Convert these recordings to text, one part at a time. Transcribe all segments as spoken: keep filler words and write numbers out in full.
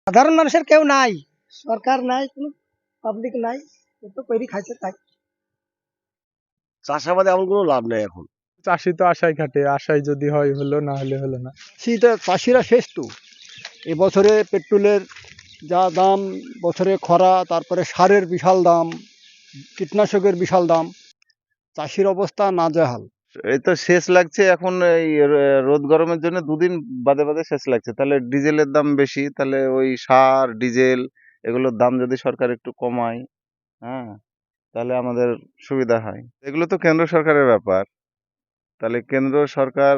সাধারণ মানুষের কেউ নাই, সরকার নাই, কোনো পাবলিক নাই, তো কইরি খাইছে তাই। চাষাবাদে এমন কোনো লাভ নেই এখন। চাষি তো আশায় খাটে, আশায় যদি হয় হলো, না হলে হলো না। শীতে চাষিরা শেষ তো। এবছরে পেট্রোলের যা দাম, বছরে খরা, তারপরে সারের বিশাল দাম, কীটনাশকের বিশাল দাম, চাষির অবস্থা নাজেহাল। এই তো শেষ লাগছে এখন, এই র- রোদ গরমের জন্য দুদিন বাদে বাদে শেষ লাগছে। তাহলে ডিজেলের দাম বেশি, তাহলে ওই সার ডিজেল এগুলোর দাম যদি সরকার একটু কমায়, হ্যাঁ, তাহলে আমাদের সুবিধা হয়। এগুলো তো কেন্দ্র সরকারের ব্যাপার, তাহলে কেন্দ্র সরকার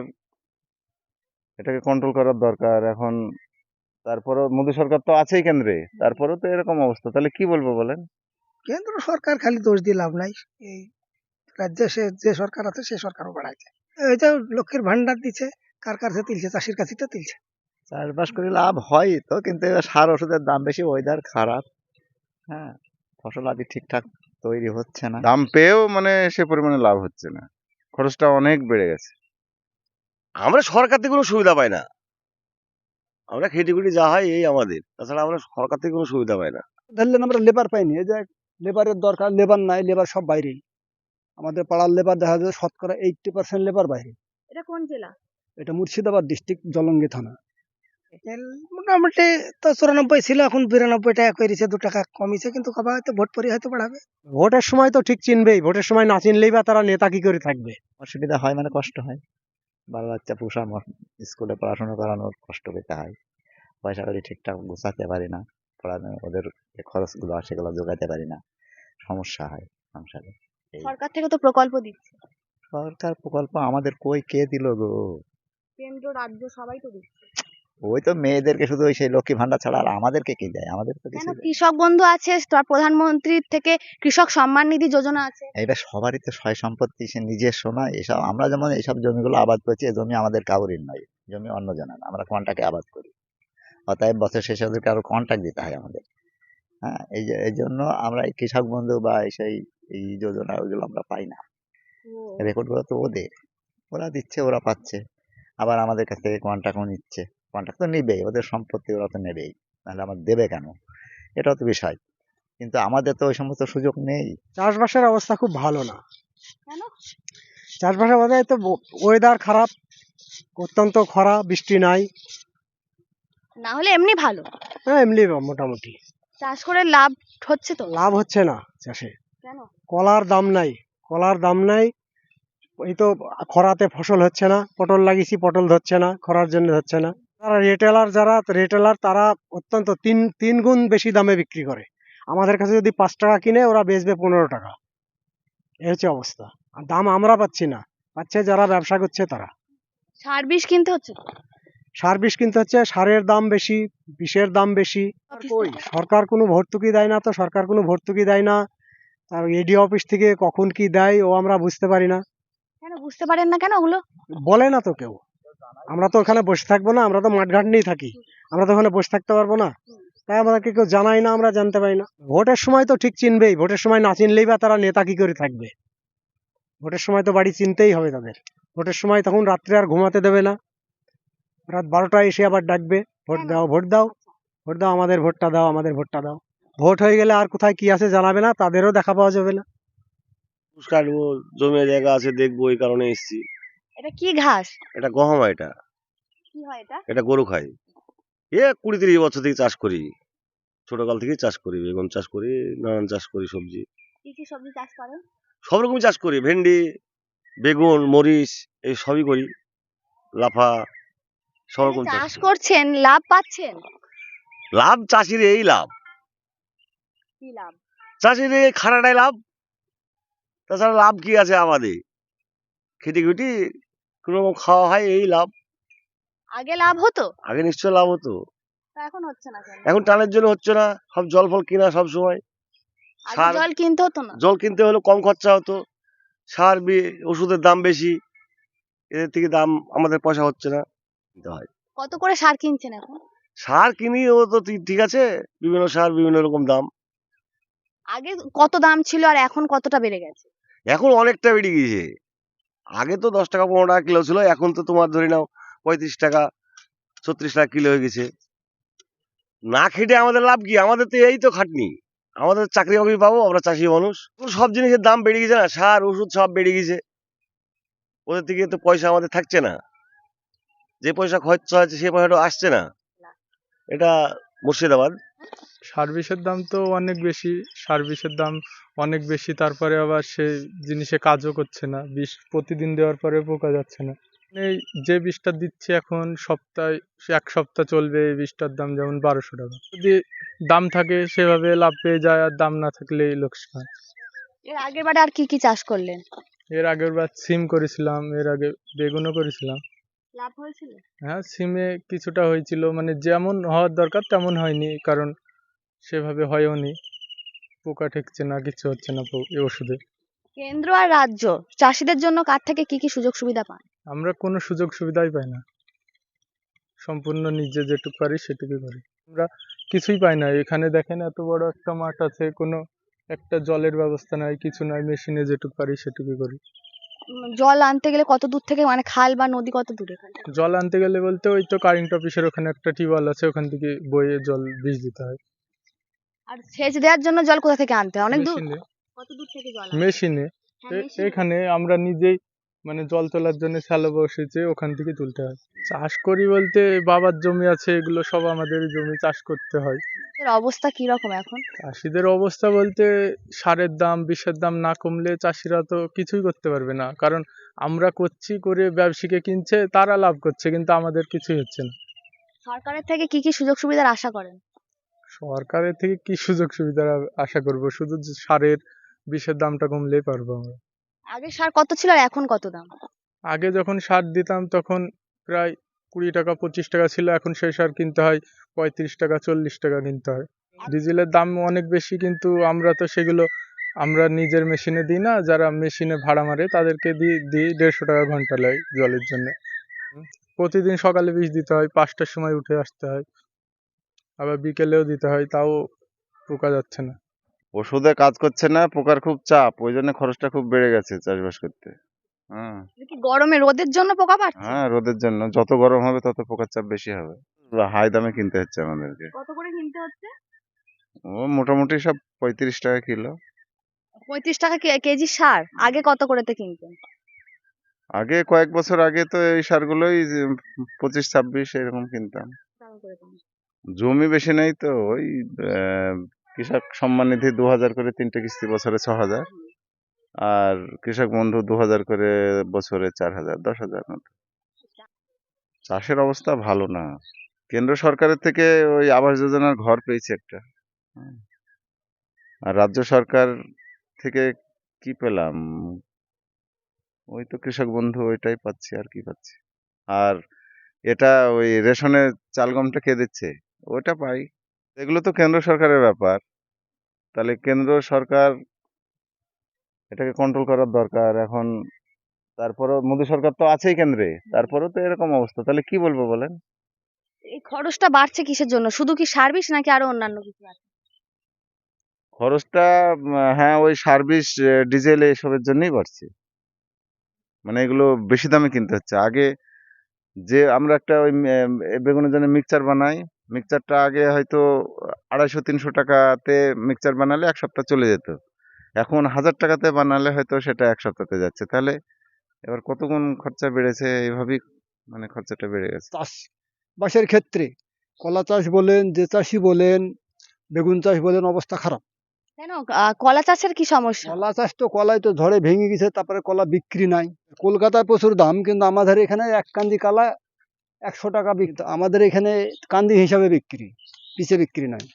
এটাকে কন্ট্রোল করার দরকার এখন। তারপরেও মোদী সরকার তো আছেই কেন্দ্রে, তারপরেও তো এরকম অবস্থা, তাহলে কি বলবো বলেন? কেন্দ্র সরকার খালি দোষ দিয়ে লাভ নাই। এই রাজ্যে সে যে সরকার আছে সে সরকারও বাড়াইছে। এই যে লক্ষ্মীর ভান্ডার দিচ্ছে, কার কাছে তুলছে? চাষির কাছে তো তুলছে। চাষবাস করে লাভ হয় তো, কিন্তু এবার সার ওষুধের দাম বেশি, ওয়েদার খারাপ, হ্যাঁ, ফসল আদি ঠিকঠাক তৈরি হচ্ছে না। দাম পেয়েও মানে সে পরিমাণে লাভ হচ্ছে না, খরচটা অনেক বেড়ে গেছে। আমরা সরকার থেকে কোনো সুবিধা পাই না, আমরা খেটি খুটি যা হয় এই আমাদের, তাছাড়া আমরা সরকার থেকে কোনো সুবিধা পাই না। ধরলেন আমরা লেবার পাইনি, এই যে লেবারের দরকার, লেবার নাই, লেবার সব বাইরেই। আমাদের পাড়ার লেবার দেখা যায় শতকরা এইটটি পার্সেন্ট লেবার বাইরে। এটা কোন জেলা? এটা মুর্শিদাবাদ ডিস্ট্রিক্ট, জলঙ্গি থানা। তেল মোটামুটি তো চুরানব্বই ছিল, এখন বিরানব্বই টাকা করেছে, দু টাকা কমিছে, কিন্তু কবা হয়তো ভোট পরে হয়তো বাড়াবে। ভোটের সময় তো ঠিক চিনবেই, ভোটের সময় না চিনলেই বা তারা নেতা কি করে থাকবে। অসুবিধা হয় মানে কষ্ট হয়, বাল বাচ্চা পোষা, ম- স্কুলে পড়াশোনা করানোর কষ্ট পেতে হয়, পয়সা করি ঠিকঠাক গোছাতে পারি না, পড়ানো ওদের যে খরচগুলো আছে সেগুলো জোগাতে পারি না, সমস্যা হয় সংসারে। এই সরকার থেকে তো প্রকল্প দিচ্ছে, সরকার প্রকল্প আমাদের কই কে দিল গো? কেন্দ্র রাজ্য সবাই তো দিচ্ছে। ওই তো মেয়েদেরকে শুধু ওই সেই লক্ষ্মী ভান্ডার ছাড়া আর আমাদেরকে কি দেয়? আমাদের তো কেন কিছু দেয় না। কৃষক বন্ধু আছে, তার প্রধানমন্ত্রীর থেকে কৃষক সম্মান নিধি যোজনা আছে। এটা সবারই তো সয় সম্পত্তি, সে নিজস্ব নয়। এসব আমরা যেমন এইসব জমিগুলো আবাদ করছি, এই জমি আমাদের কাউরির নয়, জমি অন্য জনের, আমরা কন্টাকে আবাদ করি, অতএব বছর শেষে ওদেরকে আরো কন্ট্রাক্ট দিতে হয় আমাদের। হ্যাঁ, এই যে এই জন্য আমরা এই কৃষক বন্ধু বা এই সেই এই যোজনা ওইগুলো আমরা পাই না। রেকর্ড গুলো তো ওদের, ওরা দিচ্ছে, ওরা পাচ্ছে, আবার আমাদের কাছ থেকে কন্ট্রাক্টও নিচ্ছে। কন্ট্রাক্ট তো নিবেই, ওদের সম্পত্তি ওরা তো নেবেই, নাহলে আমার দেবে কেন? এটাও তো বিষয়, কিন্তু আমাদের তো ওই সমস্ত সুযোগ নেই। চাষবাসের অবস্থা খুব ভালো না। কেন? চাষবাসের মধ্যে তো ওয়েদার খারাপ, অত্যন্ত খরা, বৃষ্টি নাই। না হলে এমনি ভালো, হ্যাঁ, এমনি মোটামুটি চাষ করে লাভ হচ্ছে তো। লাভ হচ্ছে না চাষে। কেন? কলার দাম নাই, কলার দাম নাই। এই তো খরাতে ফসল হচ্ছে না, পটল লাগিয়েছি, পটল ধরছে না, খরার জন্য হচ্ছে না। যারা রিটেলার, যারা রিটেলার তারা অত্যন্ত তিন তিন গুণ বেশি দামে বিক্রি করে। আমাদের কাছে যদি পাঁচ টাকা কিনে, ওরা বেচবে পনেরো টাকা। এই হচ্ছে অবস্থা। আর দাম আমরা পাচ্ছি না, পাচ্ছে যারা ব্যবসা করছে তারা। সার বিষ কিনতে হচ্ছে তো। সার বিষ কিনতে হচ্ছে, সারের দাম বেশি, বিষের দাম বেশি। কই সরকার কোনো ভর্তুকি দেয় না, তো সরকার কোনো ভর্তুকি দেয় না। আর এডি অফিস থেকে কখন কি দেয় ও আমরা বুঝতে পারি না, কেন বুঝতে পারেন না কেন ওগুলো? বলে না তো কেউ। আমরা তো ওখানে বসে থাকবো না, আমরা তো মাঠঘাট নিয়েই থাকি, আমরা তো ওখানে বসে থাকতে পারবো না। তাই আমাদেরকে কেউ জানাই না, আমরা জানতে পারি না। ভোটের সময় তো ঠিক চিনবেই, ভোটের সময় না চিনলেই বা তারা নেতা কি করে থাকবে। ভোটের সময় তো বাড়ি চিনতেই হবে তাদের। ভোটের সময় তখন রাত্রে আর ঘুমাতে দেবে না, রাত বারোটায় এসে আবার ডাকবে, ভোট দাও, ভোট দাও, ভোট দাও, আমাদের ভোটটা দাও, আমাদের ভোটটা দাও। ভোট হয়ে গেলে আর কোথায় কি আছে জানাবে না, তাদেরও দেখা পাওয়া যাবে না। ঘুষ কাটবো, জমি জায়গা আছে দেখবো, এই কারণে এসেছি। এটা কি ঘাস? এটা গহম, এটা কি হয় এটা? এটা গরু খাই। এ কুড়ি তিরিশ বছর থেকে চাষ করি, ছোটকাল থেকেই চাষ করি, বেগুন চাষ করি, নানান চাষ করি, সবজি কি কি সবজি চাষ করেন? সব রকমই চাষ করি, ভেন্ডি, বেগুন, মরিচ, এই সবই করি, লাফা, সব মানে রকম চাষ চাষ করি। করছেন, লাভ পাচ্ছেন? লাভ চাষির এই লাভ, কি লাভ? চাষির এই খাটাটাই লাভ, তাছাড়া লাভ কি আছে আমাদের? খেটে খুটি কোনো রকম খাওয়া হয়, এই লাভ। আগে লাভ হতো, আগে নিশ্চয় লাভ হতো, তা এখন হচ্ছে না কেন? এখন টানের জন্য হচ্ছে না, সব জল ফল কিনা সব সময়। আগে সার, জল কিনতে হতো না। জল কিনতে হলে কম খরচা হতো, সার বি- ওষুধের দাম বেশি, এদের থেকে দাম আমাদের পয়সা হচ্ছে না, কিনতে হয়। কত করে সার কিনছেন এখন? সার কিনি, ও তো ঠিক ঠিক আছে, বিভিন্ন সার বিভিন্ন রকম দাম। আগে কত দাম ছিল আর এখন কতটা বেড়ে গেছে? এখন অনেকটা বেড়ে গিয়েছে, আগে তো দশ টাকা পনেরো টাকা কিলো ছিল, এখন তো তোমার ধরে নাও পঁয়ত্রিশ টাকা ছত্রিশ টাকা কিলো হয়ে গেছে, না খেটে আমাদের লাভ কি? আমাদের তো এই তো খাটনি, আমাদের চাকরি বাকরি পাবো, আমরা চাষি মানুষ। সব জিনিসের দাম বেড়ে গেছে না, সার ওষুধ সব বেড়ে গেছে, ওদের থেকে তো পয়সা আমাদের থাকছে না, যে পয়সা খরচ হচ্ছে সে পয়সাটা আসছে না। এটা মুর্শিদাবাদ। সার বিষের দাম তো অনেক বেশি, সার বিষের দাম অনেক বেশি, তারপরে আবার সে জিনিসে কাজও করছে না, বিষ প্রতিদিন দেওয়ার পরে পোকা যাচ্ছে না। এই যে বিষটা দিচ্ছে এখন সপ্তাহে, এক সপ্তাহ চলবে, এই বিষটার দাম যেমন বারোশো টাকা। যদি দাম থাকে সেভাবে লাভ পেয়ে যায়, আর দাম না থাকলেই লোকসান। এর আগের বারে আর কি কি চাষ করলেন? এর আগের বার সিম করেছিলাম, এর আগে বেগুনও করেছিলাম। লাভ হয়েছিল? হ্যাঁ, সিমে কিছুটা হয়েছিল, মানে যেমন হওয়ার দরকার তেমন হয়নি, কারণ সেভাবে হয়ওনি, পোকা ঠেকছে না, কিছু হচ্ছে না পো- এই ওষুধে। কেন্দ্র আর রাজ্য চাষীদের জন্য কার থেকে কি কি সুযোগ সুবিধা পান? আমরা কোনো সুযোগ সুবিধাই পাই না, সম্পূর্ণ নিজে যেটুকু পারি সেটুকুই করি। আমরা কিছুই পাই না। এখানে দেখেন এত বড় একটা মাঠ আছে, কোনো একটা জলের ব্যবস্থা নাই, কিছু নাই, মেশিনে যেটুকু পারি সেটুকুই করি। উম, জল আনতে গেলে কত দূর থেকে, মানে খাল বা নদী কত দূরে এখান থেকে? জল আনতে গেলে বলতে ওই তো কারেন্ট অফিসের ওখানে একটা টিউবওয়েল আছে, ওখান থেকে বয়ে জল বীজ দিতে হয়। আর সেচ দেওয়ার জন্য জল কোথা থেকে আনতে হয়? অনেক দূর? মেশিনে কত দূর থেকে জল আনতে হয়? মেশিনে হ্যাঁ, এ- মেশিনে। এখানে আমরা নিজেই মানে জল তোলার জন্য শ্যালো বসেছে, ওখান থেকে তুলতে হয়। চাষ করি বলতে বাবার জমি আছে, এগুলো সব আমাদের জমি, চাষ করতে হয়। এর অবস্থা কি রকম এখন? চাষিদের অবস্থা বলতে সারের দাম বিষের দাম না কমলে চাষিরা তো কিছুই করতে পারবে না, কারণ আমরা করছি করে ব্যবসায়ীকে কিনছে, তারা লাভ করছে, কিন্তু আমাদের কিছুই হচ্ছে না। সরকারের থেকে কি কি সুযোগ সুবিধার আশা করেন? সরকারের থেকে কি সুযোগ সুবিধার আ- আশা করব? শুধু যে সারের বিষের দামটা কমলেই পারবো আমরা। আগে সার কত ছিল আর এখন কত দাম? আগে যখন সার দিতাম তখন প্রায় কুড়ি টাকা পঁচিশ টাকা ছিল, এখন সেই সার কিনতে হয় পঁয়ত্রিশ টাকা চল্লিশ টাকা কিনতে হয়। ডিজেলের দাম অনেক বেশি, কিন্তু আমরা তো সেগুলো আমরা নিজের মেশিনে দিই না, যারা মেশিনে ভাড়া মারে তাদেরকে দিই দিই দেড়শো টাকা ঘন্টা লাগে জলের জন্য। প্রতিদিন সকালে বীজ দিতে হয়, পাঁচটার সময় উঠে আসতে হয়, আবার বিকেলেও দিতে হয়, তাও পোকা যাচ্ছে না। ওষুধে কাজ করছে না, পোকার খুব চাপ, ওই জন্য খরচটা খুব বেড়ে গেছে চাষবাস করতে। হ্যাঁ এটা কি গরমে রোদের জন্য পোকা পাচ্ছে? হ্যাঁ রোদের জন্য যত গরম হবে তত পোকার চাপ বেশি হবে, হাই দামে কিনতে হচ্ছে আমাদেরকে। কত করে কিনতে হচ্ছে? ও মোটামুটি সব পঁয়ত্রিশ টাকা কিলো। পঁয়ত্রিশ টাকা কে- কেজি সার, আগে কত করেতে কিনতেন? আগে কয়েক বছর আগে তো এই সারগুলোই যে পঁচিশ ছাব্বিশ এরকম কিনতাম। টাকা করে পান। জমি বেশি নেই তো, ওই আহ, কৃষক সম্মান নিধি দু হাজার করে তিনটে কিস্তি, বছরে ছ হাজার, আর কৃষক বন্ধু দু হাজার করে বছরে চার হাজার, দশ হাজার মতো। চাষের অবস্থা ভালো না। কেন্দ্র সরকারের থেকে ওই আবাস যোজনার ঘর পেয়েছে একটা, হুম। আর রাজ্য সরকার থেকে কি পেলাম, ওই তো কৃষক বন্ধু, ওইটাই পাচ্ছি, আর কি পাচ্ছি। আর এটা ওই রেশনের চাল গমটা কে দিচ্ছে, ওটা পাই। এগুলো তো কেন্দ্র সরকারের ব্যাপার, তাহলে কেন্দ্র সরকার এটাকে কন্ট্রোল করার দরকার এখন। তারপরেও মোদী সরকার তো আছেই কেন্দ্রে, তারপরেও তো এরকম অবস্থা, তাহলে কি বলবো বলেন? এই খরচটা বাড়ছে কিসের জন্য? শুধু কি সার বিষ নাকি আরো অন্যান্য কিছু আছে? খরচটা উম, হ্যাঁ ওই সার্ভিস, ডিজেল এসবের জন্যই বাড়ছে, মানে এগুলো বেশি দামে কিনতে হচ্ছে। আগে যে আমরা একটা ওই উম, এ বেগুনের জন্য মিক্সচার বানাই, মিক্সচারটা আগে হয়তো আড়াইশো তিনশো টাকাতে মিক্সচার বানালে এক সপ্তাহ চলে যেত, এখন হাজার টাকাতে বানালে হয়তো সেটা এক সপ্তাহতে যাচ্ছে। তাহলে এবার কত গুণ খরচা বেড়েছে, এইভাবেই মানে খরচাটা বেড়ে গেছে। চাষবাসের ক্ষেত্রে কলা চাষ বলেন, যে চাষি বলেন, বেগুন চাষ বলেন, অবস্থা খারাপ। কেন? আহ, কলা চাষের কি সমস্যা? কলা চাষ তো, কলাই তো ঝড়ে ভেঙে গেছে, তারপরে কলা বিক্রি নাই। কলকাতায় প্রচুর দাম, কিন্তু আমাদের এখানে এক কান্দি কলা একশো টাকা বিক্রি, আমাদের এখানে কান্দি হিসাবে বিক্রি, পিছে বিক্রি নাই।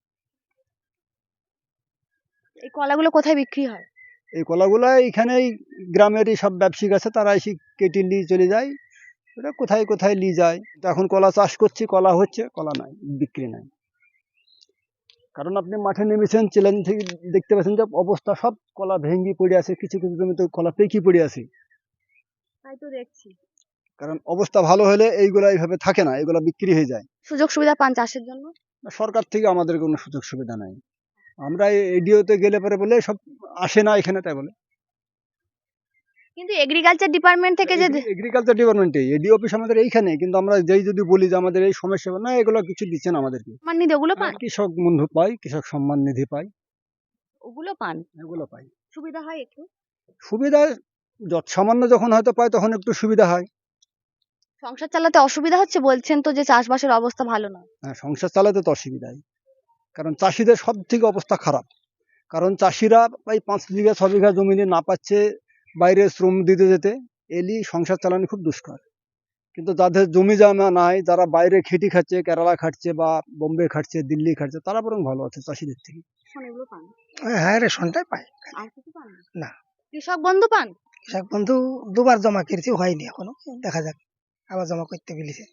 এই কলাগুলো কোথায় বিক্রি হয়? এই কলাগুলা এইখানেই গ্রামেরই সব ব্যবসায়িক আছে, তারা এসে কেটে নিয়ে চলে যায়, এটা কোথায় কোথায় নিয়ে যায়। তো এখন কলা চাষ করছি, কলা হচ্ছে, কলা নাই, বিক্রি নাই। কারণ আপনি মাঠে নেমেছেন, চ্যালেঞ্জ থেকে দেখতে পাচ্ছেন যে অবস্থা সব কলা ভেঙ্গি পড়ে আছে, কিছু কিছু জমিতে কলা পেকি পড়ে আছে। তাই তো দেখছি। কারণ অবস্থা ভালো হলে এইগুলা এইভাবে থাকে না, এগুলা বিক্রি হয়ে যায়। সুযোগ সুবিধা পান চাষের জন্য? সরকার থেকে আমাদের কোনো সুযোগ সুবিধা নাই। আমরা এডিওতে গেলে পরে বলে সব আসে না এখানে, তাই বলে। কিন্তু এগ্রিকালচার ডিপার্টমেন্ট থেকে যে এগ্রিকালচার ডিপার্টমেন্টে এডি অফিস আমাদের এইখানে, কিন্তু আমরা যেই যদি বলি যে আমাদের এই সমস্যা না, এগুলো কিছু দিচ্ছে না আমাদেরকে। সম্মান নিধি ওগুলো পান? কৃষক বন্ধু পাই, কৃষক সম্মান নিধি পাই, ওগুলো পান? এগুলো পাই। সুবিধা হয় একটু? সুবিধা যত সামান্য যখন হয়তো পাই তখন একটু সুবিধা হয়। সংসার চালাতে অসুবিধা হচ্ছে, বলছেন তো যে চাষবাসের অবস্থা ভালো না। হ্যাঁ, সংসার চালাতে তো অসুবিধাই, কারণ চাষিদের সব থেকে অবস্থা খারাপ। কারণ চাষিরা এই পাঁচ বিঘা ছ বিঘা জমি নিয়ে না পাচ্ছে বাইরে শ্রম দিতে যেতে, এলি সংসার চালানো খুব দুষ্কর। কিন্তু যাদের জমি জমা নাই, যারা বাইরে খেটি খাচ্ছে, কেরালা খাটছে বা বোম্বে খাটছে, দিল্লি খাটছে, তারা বরং ভালো আছে চাষিদের থেকে। এখন এগুলো পান? হ্যাঁ রেশনটাই পাই। আর কিছু পান না? না। কৃষক বন্ধু পান? কৃষক বন্ধু দুবার জমা করেছি, হয়নি এখনো, দেখা যাক আবার জমা করতে বলেছে।